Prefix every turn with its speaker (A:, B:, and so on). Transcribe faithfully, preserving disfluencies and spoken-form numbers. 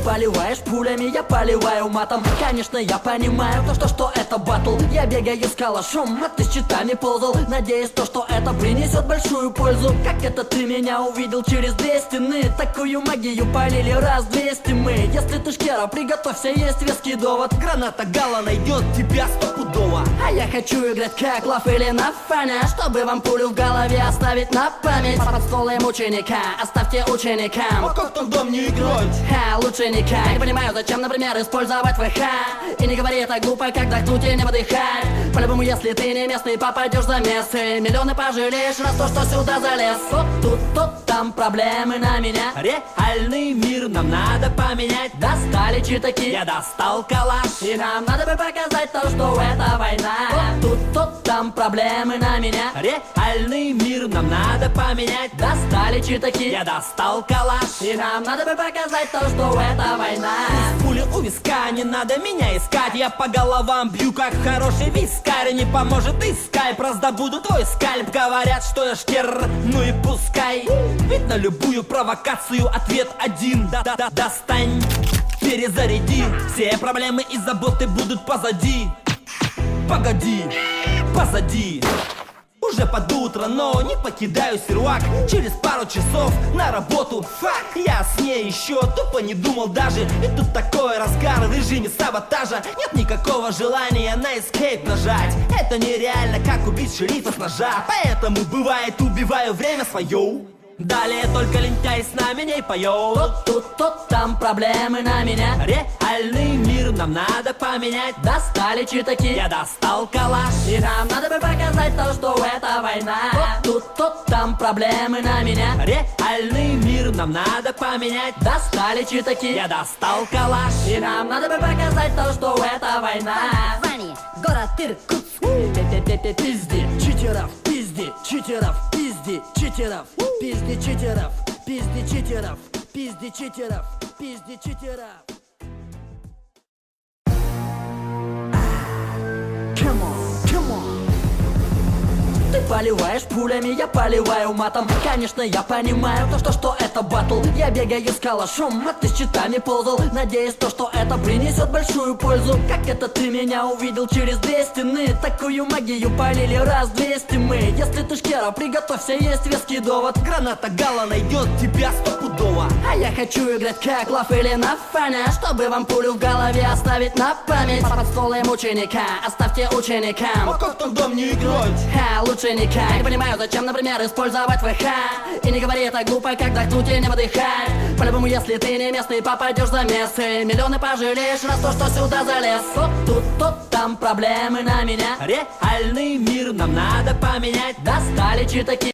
A: поливаешь пулями, я поливаю матом. Конечно, я понимаю то, что, что это батл. Я бегаю с калашом, а ты с щитами ползал. Надеюсь, то, что это принесет большую пользу. Как это ты меня увидел через две стены? Такую магию полили раз двести мы. Если ты шкера, приготовься, есть веский довод.
B: Граната Гала найдет тебя стопудово.
A: А я хочу играть как Лав или на фане, чтобы вам пулю в голове оставить на память. Под столом ученика, оставьте ученикам.
B: А как там дом не играть?
A: Ха, лучше никак. Не понимаю, зачем, например, использовать ВХ. И не говори так глупо, как вдохнуть и не выдыхать. По-любому, если ты не местный, попадешь за место. Миллионы пожалеешь раз то, что сюда залез. Вот тут, тут, там проблемы на меня.
B: Реальный мир нам надо поменять.
A: Достали читаки,
B: Я достал калаш.
A: и нам надо бы показать то, что это война. Вот тут, тут, там проблемы на меня.
B: Реальный мир нам надо поменять.
A: Достали читаки,
B: Я достал калаш.
A: и нам надо бы показать то, что это война.
B: Пули у виска, не надо меня искать. Я по головам бью, как хороший вискарь. Не поможет и скайп, раздобуду твой скальп. Говорят, что я шкер, ну и пускай. Ведь на любую провокацию ответ один. Да-да-да, достань, перезаряди. Все проблемы и заботы будут позади. Погоди, позади. Уже под утро, но не покидаю сервак. Через пару часов на работу. Фак, я о сне еще тупо не думал даже. И тут такой разгар в режиме саботажа. Нет никакого желания на эскейп нажать. Это нереально, как убить шерифа с ножа. Поэтому бывает убиваю время свое. Далее только лентяй с нами не поет.
A: Тут, тут, тут, там проблемы на меня.
B: Реальный мир нам надо поменять.
A: Достали читаки,
B: Я достал калаш.
A: и нам надо бы показать то, что это война. Тут, тут, тут, там проблемы на меня.
B: Реальный мир нам надо поменять.
A: Достали читаки,
B: Я достал калаш.
A: и нам надо бы показать то, что это война.
C: Вани, город Иркутск.
A: Пизди читеров, пизди читеров, пизди читеров, пизди читеров, пизди читеров, пизди читеров, пизди читеров. Come on, come on. Ты поливаешь пулями, я поливаю матом. Конечно, я понимаю то, что, что это батл. Я бегаю с калашом, а ты с щитами ползал. Надеюсь, то, что это принесет большую пользу. Как это ты меня увидел через две стены? Такую магию полили раз двести мы. Если ты шкера, приготовься, есть веский довод.
B: Граната Гала найдет тебя стопудово.
A: А я хочу играть как Лав или на фане, чтобы вам пулю в голове оставить на память. Под столом ученика, оставьте ученикам.
B: А как там дом не играть?
A: Ха, лучше никак. Не понимаю, зачем, например, использовать ВХ. И не говори так глупо, как вдохнуть и не выдыхать. По-любому, если ты не местный, попадешь за место. Миллионы пожалеешь раз то, что сюда залез. Вот тут, тут, там проблемы на меня.
B: Реальный мир нам надо поменять.
A: Достали читаки.